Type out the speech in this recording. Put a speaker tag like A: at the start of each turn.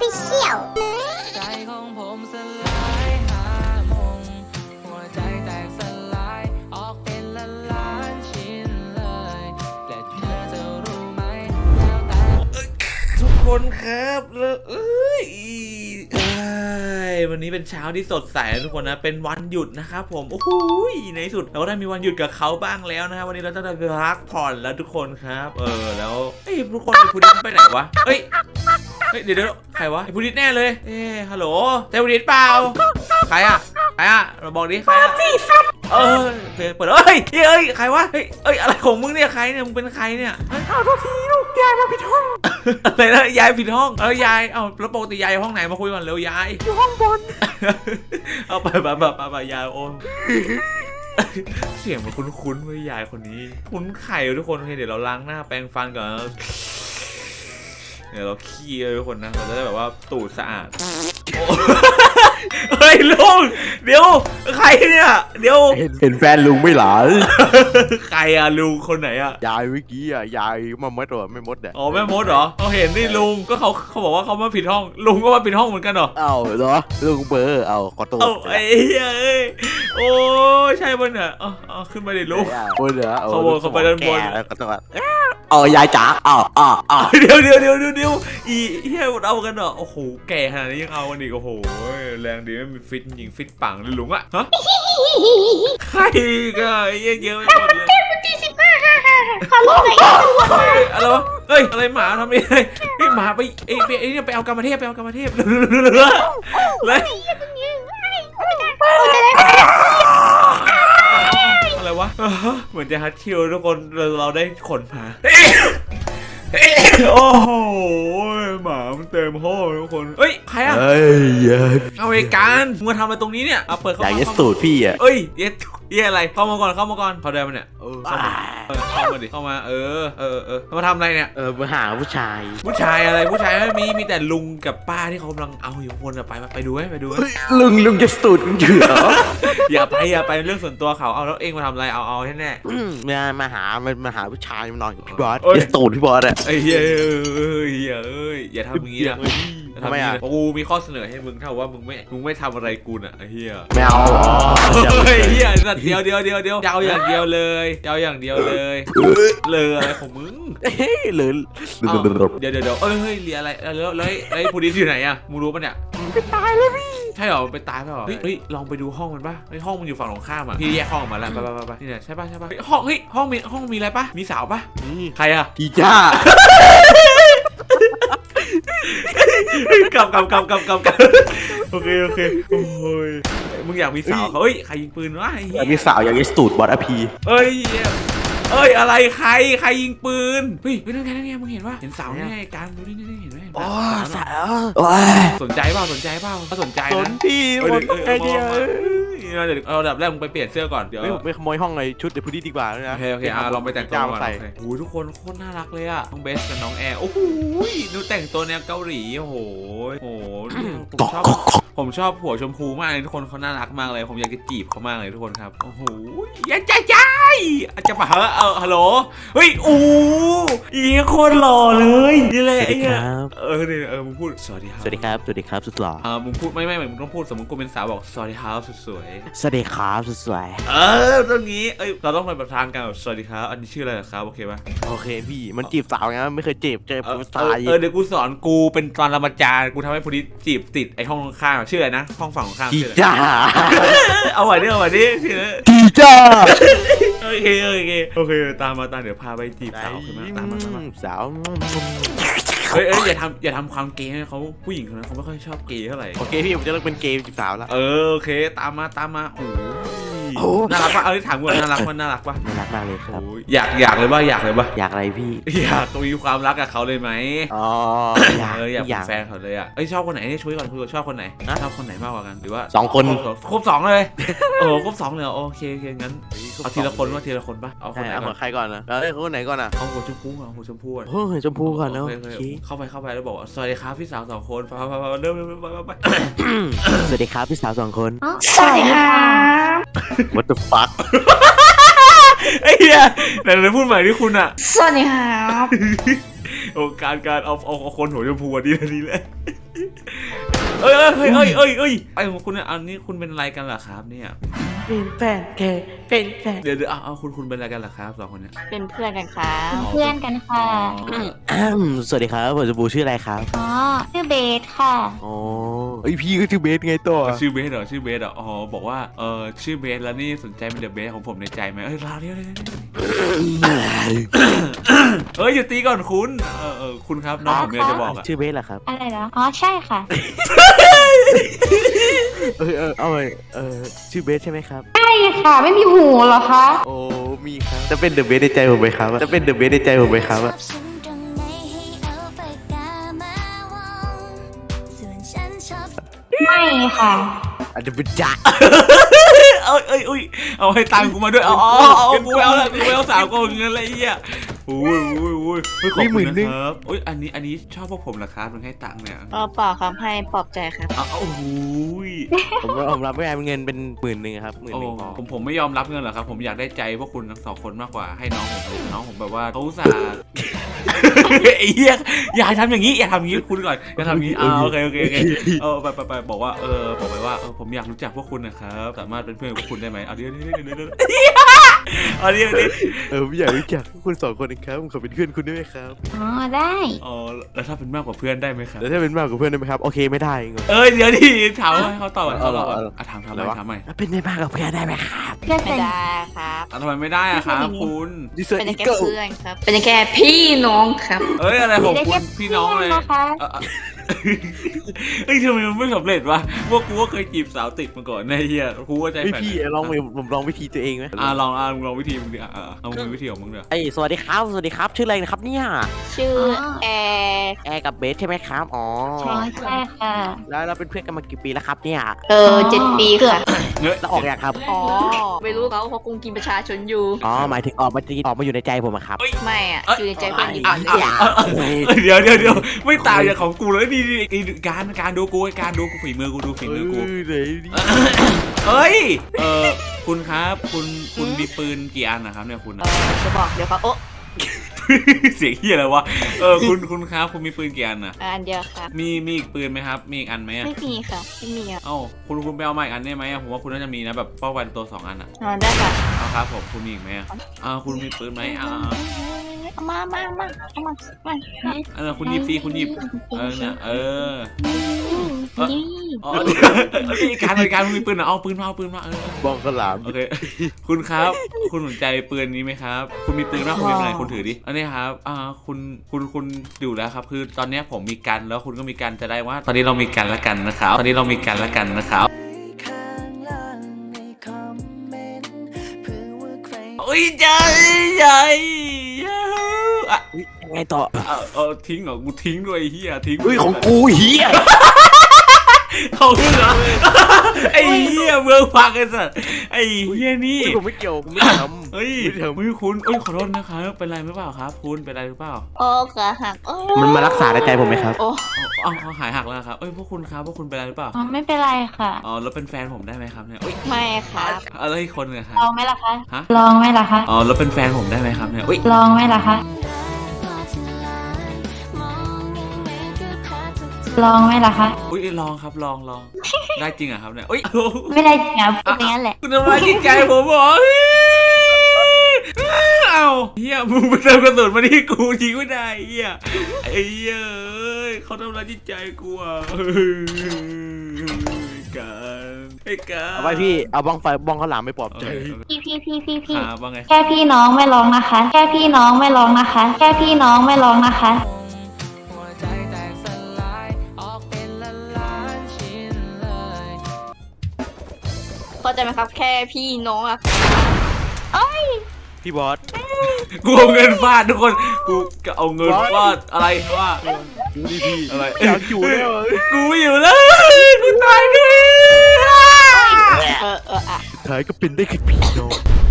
A: Official
B: ใจของผมสลายหามงหัวใจแตกสลายออกเป็นล้านชิ้นเลยแต่เธอจะรู้ไหมแล้วแต่ทุกคนครับวันนี้เป็นเช้าที่สดใสนะทุกคนนะเป็นวันหยุดนะครับผมโอ้โหในที่สุดเราก็ได้มีวันหยุดกับเขาบ้างแล้วนะครับวันนี้เราจะได้พักผ่อนแล้วทุกคนครับแล้วทุกคนไอ้พุดดิ้งไปไหนวะเดี๋ยวใครวะไอ้พุดดิ้งแน่เลยฮัลโหลเจ้าพุดดิ้งเปล่าใครอะเราบอกดิใครอะเปิดใครวะอะไรของมึงเนี่ยใครเนี่ยมึงเป็นใครเนี่ย
C: เอาทุกทีลูกยายมาผิดห้อง
B: อะไรนะยายผิดห้องยายแล้วปกติยายห้องไหนมาคุยก่อนเร็วยาย
C: อยู่ห้องบน
B: เอาไปยายโอนเสียงมันคุ้นๆเว้ยยายคนนี้คุ้นไข่ทุกคนเดี๋ยวเราล้างหน้าแปรงฟันก่อนเดี๋ยวเราขี้ทุกคนนะเราจะได้แบบว่าตูดสะอาดเฮ้ยลุงเดี๋ยวใครเนี่ยเดี๋ยว
C: เห็นแฟนลุงไม่หลา
B: ใครอะลุงคนไหนอะ
C: ยายเมื่อกี้อะยายมามดหรอไม่มดเนี่ย
B: อ๋อไม่มดเหรอเขาเห็นนี่ลุงก็เขาบอกว่าเขามาผิดห้องลุงก็มาผิดห้องเหมือนกันเหรอ
C: เหรอลุงเบอร์ขอตัว
B: ไอ้โอ้ใช่บนเนี่ยขึ้นมาดิลุง
C: บนเหรอ
B: เขาไปด้านบน
C: ขอตัวยายจ๋า
B: เดี๋ยวเอากันเหรอโอ้โหแก่ขนาดนี้ยังเอากันอีกโอ้โหแรงดีไม่มีฟิตยิงฟิตปังเลยลุงอะฮะใครก็เยอะไปหมดเลย
A: ขอรู้หน่อย
B: อะไรวะอะไรหมาทำยังไงหมาไปเนี่ยไปเอากรรมเทพเลยอะไรวะเหมือนจะฮัตคิวทุกคนเราได้ขนมาโอ้โหหมามันเต็มห้องทุกคนใครอะเอาไอ้การมึงมาทำอะไรตรงนี้เนี่ยเปิดเข้ามา
C: อยากเย็ดสูตรพี่อะ
B: เย็ดอะไรเข้ามาก่อนเขาได้มาเนี่ยเข้ามาดิเข้ามามาทำอะไรเนี่ย
C: มาหาผู้ชาย
B: อะไรผู้ชายไม่มีแต่ลุงกับป้าที่เขากำลังเอาอยู่คนไปดูไหม
C: ลุงจะสูตรอยู่เหรอ
B: อย่าไปเรื่องส่วนตัวเขาเอาแล้วเองมาทำอะไรเอาแน่
C: มาหาผู้ชายมานอนกับพี่บอสจะสูตรพี่บอสอะ
B: เฮ้ยอย่าทำอย่างนี้นะทำไมอ่ะกูมีข้อเสนอให้มึงถ้าว่ามึงไม่ทำอะไรกูน่ะไอ้เหี้ย
C: ไม่เอา
B: เหี้ยสัตว์เดียวจะเอาอย่างเดียวเลยอะไรของมึง
C: เลย
B: เดี๋ยวเรียอะไรแล้วผู้ดีอยู่ไหนอ่ะมึงรู้ปะเนี่ย
C: ไปตายเลยพี่
B: ใช่หรอไปตายป่ะเฮ้ยลองไปดูห้องมันป่ะห้องมันอยู่ฝั่งตรงข้ามอ่ะพี่แยกห้องมาแล้วไปนี่แหละใช่ป่ะห้องมีอะไรป่ะมีสาวป่ะใครอ่ะ
C: กีจ้า
B: กับโอเคโอ้ยมึงอยากมีสาวเขาใครยิงปืนวะ
C: อยากมีสาวอยากมีสูตรบอสอพี
B: อะไรใครยิงปืนนั่นไงมึงเห็นปะเห็นสาวนี่ไงการดูนี่เห็นไหม
C: อ๋อสาว
B: สนใจเปล่าถ้าสนใจนะ
C: พี่ไอเดีย
B: เราดับแรกมึงไปเปลี่ยนเสื้อก่อนเดี๋ยว
C: ไม่ขโมยห้องเลยชุดเดี๋ยวพูดดีกว่านะ
B: โอเคลองไปแต่งตัวก่อนโอ้ยทุกคนโคตรน่ารักเลยอะน้องเบสกับน้องแอร์โอ้โหดูแต่งตัวแนวเกาหลีโอ้โหผมชอบหัวชมพูมากเลยทุกคนเขาน่ารักมากเลยผมอยากจะจีบเขามากเลยทุกคนครับโอ้โหอย่าใจอาจจะมาฮัลโหลโคตรหล่อเลยนี่แหละมึงพูดสวัสดีครับ
C: สุดหล่อ
B: มึงพูดไม่มึงต้องพูดสมมติกูเป็นสาวบอกสวัสดีครับสุดสวย
C: สวัสดีครับสุดสวย
B: ตรงนี้เราต้องไปประทานกันแบบสวัสดีครับอันนี้ชื่ออะไรครับโอเคป่ะ
C: โอเคพี่มันจีบสาวไงไม่เคยจีบเจอผู้ชาย
B: เดี๋ยวกูสอนกูเป็นตอนรามาจารย์กูทำให้ผู้นี้จีบติดไอห้องข้างชื่ออะไรนะห้องฝั่งข้าง
C: ชื่อจ้า
B: เอาไว้ดิชื่อ
C: กีจ้า
B: โอเคตามมาเดี๋ยวพาไปจีบสาวขึ้นมาตามมา
C: สาว
B: อย่าทำความเกย์ให้เขาผู้หญิงคนนั้นเขาไม่ค่อยชอบเกย์เท่าไหร่
C: โอเคพี่ผมจะเลิกเป็นเกย์จีบสาวแล้ว
B: โอเคตามมาโอ้น่ารักป่ะถามก่อนน่ารักป่ะ
C: น่ารักมากเลยครับ
B: อยากเลยป่ะอยาก
C: อะไรพี่
B: อยากมีความรักกับเขาเลยไหมอยากเป็นแฟนเขาเลยชอบคนไหนช่วยก่อนคุยชอบคนไหนชอบคนไหนมากกว่ากันหรือว่า
C: 2 คน
B: ครบ2เลยครบ2เลยโอเคงั้นเอาทีละคนป่ะเอาคนไหน
C: เอาใครก่อนนะคนไหนก่อน
B: เอาหัวชมพูก่อน
C: นะ
B: เข้าไปแล้วบอกสวัสดีครับพี่สาว2 คนเริ่มไป
C: สวัสดีครับพี่สาว2 คน
A: สวัสดีค่ะ
C: What the fuck
B: ไอ้เหี้ยไหนพูดใหม่ที่คุณอะ
A: สวัสดีครับ
B: การเอาคนหัวชมพูดีเลยเอ้ยไอ้ของคุณอันนี้คุณเป็นอะไรกันเหรอครับเนี่ย
C: เป็นแฟนแกเป็นแฟน
B: เดี๋ยวเอาคุณเป็นอะไรกันเหรอครับสองคนเนี่ย
A: เป็นเพื่อนกันครับ
B: อ๋อ
A: เพื่อนกันค่ะ
C: สวัสดีครับผมจะบูชื่ออะไรครับ
A: อ๋อชื่อเบสค่ะ
C: อ๋อไอยพี่ก็ชื่อเบสไงตัว
B: ชื่อเบสเหรอชื่อเบสเหรออ๋อบอกว่าชื่อเบสแล้วนี่สนใจเป็นเดอะเบสของผมในใจไหมราวเดียวอย่าตีก่อนคุณคุณครับน้องผมมีอะไรจะบอกอะ
C: ชื่อเบสเหรอครับ
A: อะไรเหรออ๋อใช่ค่ะ
C: เอาไปชื่อเบสใช่ไหมครับ
A: ใช่ค่ะไม่มีหูเหรอคะ
C: โอ้มีครับจะเป็นเดอะเบสในใจผมไหมครับจะเป็นเดอะเบสในใจผมไหมครับ
A: ไม่ค่ะ
C: อาจจะเป็นจ๊ะ
B: เอาให้ตังค์กูมาด้วยกูเอาละกูเอา3 คนเงินอะไรเงี้ยโอ้ยขอบคุณนะครับอันนี้ชอบพวกผมเหรอครับมันให้ตังค์เนี่ย
A: เปล่าครับให้ปลอบใจครับ
B: โอ้โห
C: ผมรับไม่ได้เงินเป็น10,000ครับ11,000พอ
B: ผมไม่ยอมรับเงินหรอกครับผมอยากได้ใจพวกคุณทั้ง2 คนมากกว่าให้น้องผมแบบว่าเขาอุตส่าห์ไอ้เหี้ยอย่าทำอย่างนี้คุณก่อนอย่าทำอย่างนี้โอเคไปบอกว่าบอกไปว่าผมอยากรู้จักพวกคุณนะครับสามารถเป็นเพื่อนกับพวกคุณได้ไหมเอาเดี๋ยว
C: ไม่อยากรู้จักคุณ2 คนนะครับผมขอเป็นเพื่อนคุณได้ไหมครับ
A: อ๋อได้
B: แล้วถ้าเป็นมากกว่าเพื่อนได้ไหมครับ
C: แล้วถ้าเป็นมากกว่าเพื่อนได้ไหมครับโอเคไม่ได้ง
B: เดี๋ยวดิถามให้เขาตอบก่อนถามใหม่
C: เป็นได้มากกว่าเพื่อนได้ไหมครับ
A: เพื่อนไม่ได้ครับ
B: ทำไมไม่ได้อะครับคุณ
A: เป็นแค่เพื่อนครับเป็นแค่พี่น้องครับ
B: อะไรของคุณพี่น้องเลยทำไมมันไม่สำเร็จวะพวกกูก็เคยจีบสาวติดมาก่อนในเฮียกูก็ใจแข็ง
C: พี่ผมลองวิธีตัวเองไหม
B: ลองวิธีมึงดิเอามือวิธีของมึงเดี๋ยว
C: สวัสดีครับชื่ออะไรนะครับเนี่ย
A: ชื่อแอร์
C: แอร์กับเบสใช่ไหมครับอ๋อ
A: ใช่ค่ะ
C: แล้วเราเป็นเพื่อนกันมากี่ปีแล้วครับเนี่ย
A: 7 ปีค่ะ
C: แล้วออกยังครับ
A: อ๋อไม่รู้เขาคงกินประชาชนอยู่
C: อ๋อหมายถึงออกมาอยู่ในใจผมอะครับ
A: ไม่อ่ะอยู่ในใจเพื่อนอยู่
B: เดี๋ยวไม่ต่างจากของกูเลยดีการดูกูฝีมือกูดูฝีมือกูคุณครับคุณมีปืนกี่อันนะครับเนี่ยคุณ
A: จะบอกเดี๋ยวเขา
B: เสียงเฮียอะไรวะคุณครับคุณมีปืนกี่อันนะ
A: อันเดียวครับ
B: มีอีกปืนไหมครับมีอีกอันไหม
A: ไม่มีค่ะไม่มีอ่ะ
B: คุณไปเอามาอีกอันได้ไหมผมว่าคุณน่าจะมีนะแบบป้องกันตัว2 อันอ่ะ
A: ได้ค่ะ
B: เอาครับผมคุณมีอีกไหมคุณมีปืนไหม
A: มา
B: คุณหยิบสิคุณหยิบเนี่ยการมีปืนเอาปืนมา
C: บองกระหลาม
B: โอเคคุณครับคุณสนใจปืนนี้ไหมครับคุณมีปืนบ้างคุณมีอะไรคุณถือดิอันนี้ครับคุณอยู่แล้วครับคือตอนนี้ผมมีกันแล้วคุณก็มีกันจะได้ว่าตอนนี้เรามีกันแล้วกันนะครับใหญ่
C: ไงต่อ
B: ทิ้งเหรอกูทิ้งด้วยเฮียทิ้ง
C: ของกูเฮีย
B: เขาขึ้นเหรอไอ้เหี้ยเมืองพังไอ้สัสไอ้เหี้ยนี่
C: ผมไม่เกี่ยวผมไม่ทำ
B: คุณขอโทษนะครับเป็นไรหรือเปล่าครับคุณเป็นไรหรือเปล่า
A: ขาหัก
C: มันมารักษาในใจผมไหมครับ
B: เขาหายหักแล้วครับพวกคุณครับพวกคุณเป็นไรหรือเปล่า
A: ไม่เป็นไรค่ะ
B: แล้วเป็นแฟนผมได้ไหมครับเนี่ย
A: ไม่ครับ
B: แล้วอีกคนนึงครับ
A: ลองไหมล่ะคะลองไหมล่ะคะ
B: แล้วเป็นแฟนผมได้ไหมครับเนี่ย
A: ลองไหมล่ะคะลองไหมล่ะคะ
B: ลองครับลองได้จริงอะครับเนี่ย
A: ไม่ได้จริงครับพูดอย่างนั้นแหละ
B: คุณทำร้ายจิตใจผมเหรอเฮียมึงไปเติมกระสุนมาที่กูยิงไม่ได้เฮียไอ้เฮียเขาทำร้ายจิตใจกูอ่ะการ
C: เอาไปพี่เอาบ้องข้าวหลามไม่ปลอบใจ
A: พี่แค่พี่น้องไม่ร้องนะคะแค่พี่น้องไม่ร้องนะคะเข้าใจไหมครับแค่พี่น้องอะ
C: พี่บอส
B: กูเอาเงินฟาดทุกคนกูเอาเงินฟาดอะไรว่า
C: ดูดิพี่
B: อะไร
C: อยากอยู่แล้ว
B: กูไม่อยู่แล้วกูตายด้วย
C: สุดท้ายก็เป็นได้แค่พี่น้อง